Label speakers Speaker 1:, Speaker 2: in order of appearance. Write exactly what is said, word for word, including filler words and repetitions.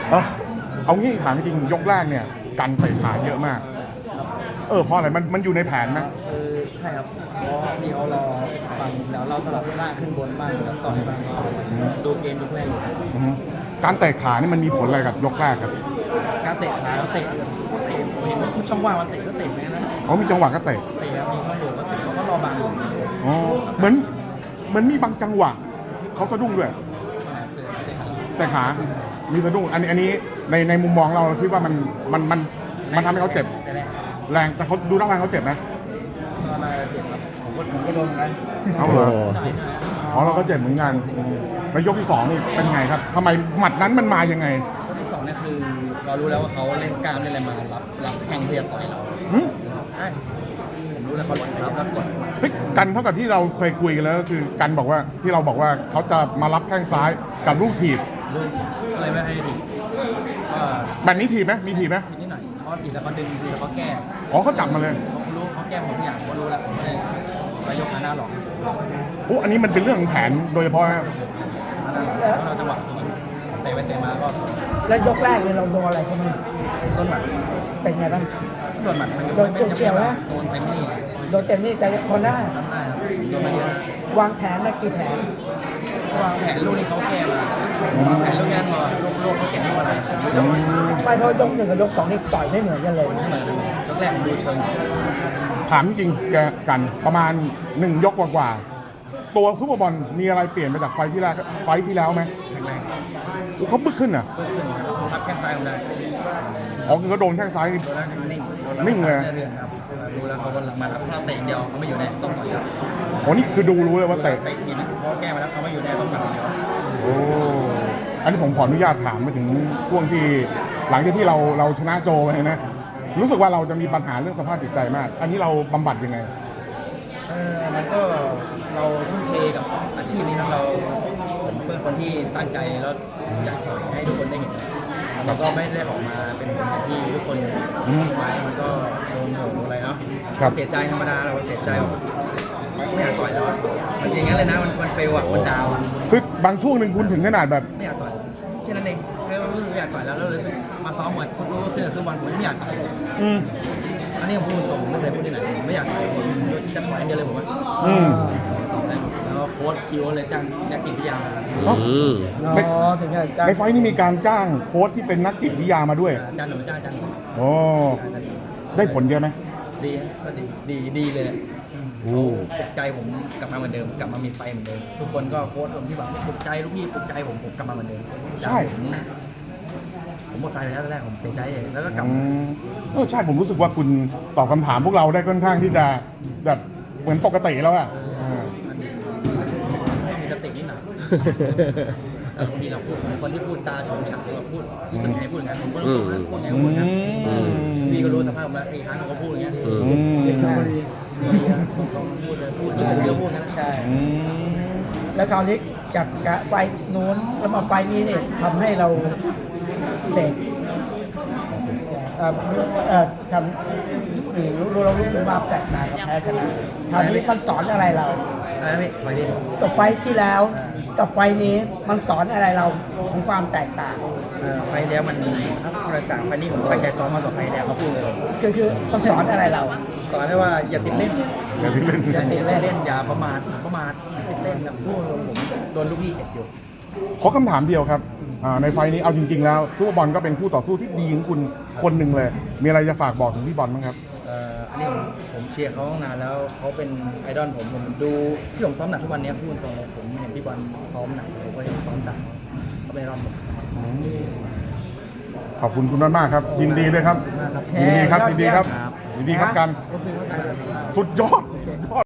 Speaker 1: เออเอางี้ถามจริงยกแรกเนี่ยกันเตะขาเยอะมากเออเพราะอะไรมันมันอยู่ในแผนนะ
Speaker 2: คือใช่ครับเพราะพี่เขารอฝั่งเดี๋ยวเราสลับล่างขึ้นบนบ้างแล้วต่อยบ้างดูเกมยกแรกอยู่
Speaker 1: อือฮึการเตะขานี่มันมีผลอะไรกับยกแรกครับ
Speaker 2: การเตะขาแล้วเตะเตะเห็นช่องว่างมันเตะก็เตะแม่นะ
Speaker 1: เขามีจังหวะก็เตะ
Speaker 2: เตะครับมีช่องโหว่ก็เตะเพราะเขารอบางอยู่
Speaker 1: อ๋อเหมือนเหมือนมีบางจังหวะเขาสะดุ้งด้วยแต่ขา มีสะดุ้งอันนี้อันนี้ในในมุมมองเราคิดว่ามันมันมันมันทำให้เขาเจ็บแรงแต่เขาดูร่างกายเขาเจ็บไหม
Speaker 2: ก็น่าจะเจ็บครับผมก็ผมก็โดนกัน
Speaker 1: เอาเหรออ๋อเราก็เจ็บเหมือนกันแล้วยกที่สองนี่เป็นไงครับทำไมหมัดนั้นมันมายังไง
Speaker 2: ยกที่สองเนี่ยคือเรารู้แล้วว่าเขาเล่นกล้ามเล่นอะไรมารับรับแข้งเพื่อต่อยเราใช่ผมรู้แล้วเขารับรับกด
Speaker 1: เฮ้ยกันเท่ากับที่เราเคยคุยกันแล้วก็คือกันบอกว่าที่เราบอกว่าเขาจะมารับแข้งซ้ายกับลูกถีบ
Speaker 2: ลูกอะไรไม่ให้ถีบ
Speaker 1: แบบนี้ถีบไหมมีถีบไหม
Speaker 2: ถีบนิดหน่อยเพราะถีบแล้วเขาดึงถีบแล้วเขาแก้
Speaker 1: อ๋อเขาจับมาเลย
Speaker 2: เขารู้เขาแก้หมดทุกอย่างเขารู้แล้วไม่ได้ไปยกขาหน้าหรอก
Speaker 1: โอ้อันนี้มันเป็นเรื่องของแผนโดยเฉพาะครับ
Speaker 2: เราจังหวะเตะไปเตะมาก็
Speaker 3: แล้วยกแรกเลยเราโดนอะไรเขาบ้าง
Speaker 2: ต้นหมัด
Speaker 3: เป็นไงบ้าง
Speaker 2: โดนหมัดมัน
Speaker 3: โดนเฉียวๆนะ
Speaker 2: โดนเต็มนี่
Speaker 3: โดนเต็มนี่แต่คนได้
Speaker 2: ทำได้ครับโดนมาเยอะ
Speaker 3: วางแผนมากี่แผน
Speaker 2: วางแผนลูกนี้เขาแก้มาวางแผนลูกนี้ก่อนลูกลูกเขาแก้ลูกอะไร
Speaker 3: ไม่เพราะยกหนึ่งกับยกสองนี่ต่อยไม่เหมือนกันเลย
Speaker 2: ไม่เหมือนยกแรกดูเชิง
Speaker 1: ถามจริงแกกันประมาณหนึ่งยกกว่าๆตัวซุปเปอร์บอลมีอะไรเปลี่ยนไปจากไฟที่แรกไฟที่แล้วไหม
Speaker 2: แข็งแรง
Speaker 1: เขาบึ้กขึ้นอ่ะ
Speaker 2: บึ้กขึ้นรับแข้งซ้ายผมได้
Speaker 1: อ๋อคือเขาโดนแข้งซ้าย
Speaker 2: โดนแล้วนิ่ง
Speaker 1: นิ่งเลย
Speaker 2: ครับดูแล้วเขามารับถ้าเตะเดียวเขาไม่อยู่แน่ต้องต่อยครับ
Speaker 1: อ๋อนี่คือดูรู้เลยว่าเตะ
Speaker 2: เตะนี่นะเขาแก้มาแล้วเขาไม่อยู่แน่ต้องต่อย
Speaker 1: โอ้อันนี้ผมขออนุญาตถามมาถึงช่วงที่หลังจากที่เราเราชนะโจไปนะรู้สึกว่าเราจะมีปัญหาเรื่องสภาพจิตใจมากอันนี้เราบำบัดยังไง
Speaker 2: เออมันก็เราทุ่มเทกับอาชีพนี้นะเราผมเป็นคนที่ตั้งใจแล้วอยากให้ทุกคนได้เห็นเราก็ไม่ได้ออกมาเป็นคนที่ทุกคนไว้มันก็โดนโหดอะไรเนาะเสียใจธรรมดาเราเสียใจไม่อยากต่อยแล้วมันอย่างนั้นเลยนะมันมันเฟลอ่ะมันดาวอ่ะ
Speaker 1: คือบางช่วงหนึ่งคุณถึงขนาดแบบ
Speaker 2: ไม่อยากต่อยแค่นั้นเองแค่รู้สึกไม่อยากต่อยแล้วแล้วเลยมาซ้อมเหมือนคุณรู้ที่เราซื้อบอลผมไม่อยากต่อยอันนี้ผมพูดตรงไม่เคยพูดที่ไหนผมไม่อยากต่อยผมจะต่อยอันเดียวเลยผมว่าแล้วโค้ชคิวเลยจ้างนักจิตวิทยา
Speaker 1: ในไฟนี้มีการจ้างโค้ชที่เป็นนักจิตวิทยามาด้วย
Speaker 2: จ้างหนูจ้างจ้าง
Speaker 1: โอ้ได้ผลเยอะไหม
Speaker 2: ดีก็ดีดีดีเลยปลุกใจผมกลับมาเหมือนเดิมกลับมามีไฟเหมือนเดิมทุกคนก็โค้ชผมที่แบบปลุกใจลูกพี่ปลุกใจผมผมกลับมาเหมือนเดิม
Speaker 1: ใช่
Speaker 2: ผมหมดไฟไปแล้วแรกผมเสียใจแล้วก็กลับ
Speaker 1: เออใช่ผมรู้สึกว่าคุณตอบคำถามพวกเราได้ค่อนข้างที่จะแบบเหมือนปกติแล้วอ่ะ
Speaker 2: ต้องมีสตินิดหน่อยบางทีเราพูดคนที่พูดตาชงฉักเราพูดรู้สึกไงพูดอย่างนั้นผมก็รู้นะพูดไงก็พูดนะพี่ก็รู้สภาพมาไอ้ครั้งเขาพูดอย่างเงี้ยเด็กชลบุรีพูดพูดรู้สึกเยอะพูดนะใช่
Speaker 3: แล้วคราวนี้จากไฟนู้นแล้วมาไฟนี้เนี่ยทำให้เราเด็กทำรู้เรารู้ถึงว่าแตกต่างกับแพ้ชนะคราวนี้มันสอนอะไรเราต่อไฟที่แล้วกับไฟนี้มันสอนอะไรเราของความแตกต่าง
Speaker 2: ไฟแล้วมันมีครับแตกต่างไฟนี้ผมตั้งใจซ้อมมาต่อไฟแล้วเขาพูดเลย
Speaker 3: คือคือมันสอนอะไรเรา
Speaker 2: สอนได้ว่าอย่าติดเล่น
Speaker 1: อย่าติดเล่น
Speaker 2: อย่าติดเล่นอย่าประมาทประมาทติดเล่นนะพูดผมโดนลูกพี่เอ็ดอยู่
Speaker 1: ขอคำถามเดียวครับในไฟนี้เอาจริงๆแล้วซูเปอร์บอลก็เป็นคู่ต่อสู้ที่ดีของคุณคนหนึ่งเลยมีอะไรจะฝากบอกถึงพี่บอลบ้างครับ
Speaker 2: อันนี้ผมผมเชียร์เขาตั้งนานแล้วเขาเป็นไอดอลผมผมดูที่ผมซ้อมหนักทุกวันนี้พูดตรงเลยผมเห็นพี่บอลซ้อมหนักผมก็ยังซ้อมต่างเขาเป็นไอดอลผม
Speaker 1: ขอบคุณคุณมากๆครับยินดีเลยครับยินดีครับยินดีครับยินดีครับกันสุดยอด